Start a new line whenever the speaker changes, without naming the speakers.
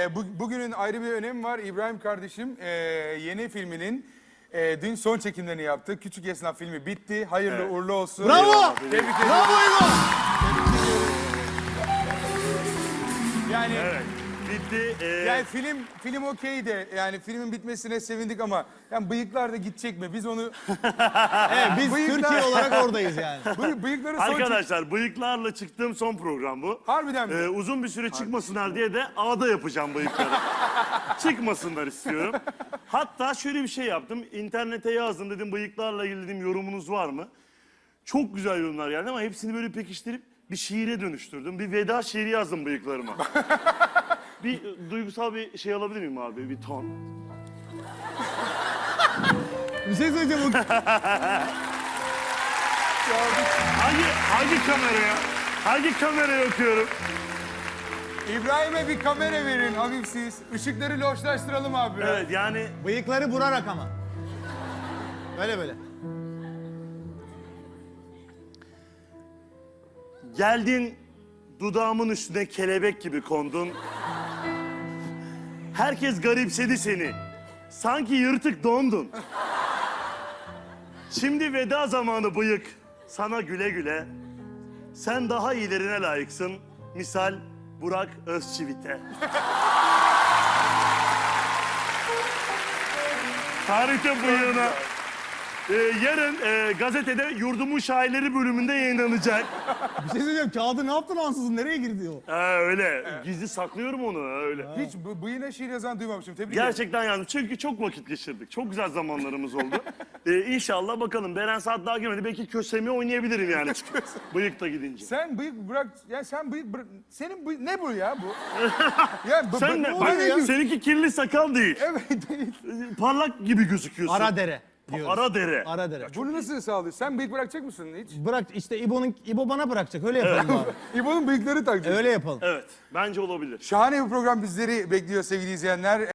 Bugünün ayrı bir önemi var. İbrahim kardeşim yeni filminin dün son çekimlerini yaptı. Küçük Esnaf filmi bitti. Hayırlı uğurlu olsun.
Bravo!
Tebrik ediyorum.
Bravo İbo!
Yani,
Evet. Bitti.
yani film okey de yani filmin bitmesine sevindik ama yani bıyıklar da gidecek mi? Biz onu
Evet, biz
Bıyıklar-
Türkiye olarak oradayız yani.
bıyıkları son
Arkadaşlar bıyıklarla çıktığım son program bu.
Harbiden mi?
Uzun bir süre çıkmasınlar diye de ağda yapacağım bıyıkları. Çıkmasınlar istiyorum. Hatta şöyle bir şey yaptım. İnternete yazdım, dedim bıyıklarla ilgili dedim, yorumunuz var mı? Çok güzel yorumlar geldi ama hepsini böyle pekiştirip bir şiire dönüştürdüm. Bir veda şiiri yazdım bıyıklarıma. Bir duygusal bir şey alabilir miyim abi? Bir ton.
Bir şey söyleyeceğim.
Hangi kameraya? Hangi kameraya okuyorum?
İbrahim'e bir kamera verin hafifsiz. Işıkları loşlaştıralım abi. biraz.
Evet yani
Bıyıkları vurarak ama. Böyle böyle.
geldin dudağımın üstüne kelebek gibi kondun. Herkes garipsedi seni. Sanki yırtık dondun. Şimdi veda zamanı bıyık. Sana güle güle. Sen daha iyilerine layıksın. Misal Burak Özçivit'e. Tarihte bıyığına. Yarın gazetede Yurdumun Şairleri bölümünde yayınlanacak.
Bir şey söyleyeceğim. Kağıdı ne yaptın ansızın? Nereye girdi o?
Öyle. Gizli saklıyorum onu öyle.
Hiç bıyığına şiir yazan duymamıştım. Tebrik ederim.
Gerçekten yazdım. Çünkü çok vakit geçirdik. Çok güzel zamanlarımız oldu. İnşallah bakalım. Beren Saat daha gelmedi. Belki kösemi oynayabilirim yani. Bıyık da gidince.
Sen bıyık bırak, ya sen bıyık bırak, senin bıyık, ne bu ya bu? Ya
Sen ne?
bu
Bak,
ne ya?
seninki kirli sakal değil.
Evet değil.
Parlak gibi gözüküyorsun.
Ara dere diyoruz.
Ara dere.
Ara dere.
Bunu nasıl sağlıyorsun? Sen bıyık bırakacak mısın hiç?
Bırak işte İbo bana bırakacak. Öyle yapalım abi.
İbo'nun bıyıkları takacak.
Öyle yapalım.
Evet. Bence olabilir.
Şahane bir program bizleri bekliyor sevgili izleyenler.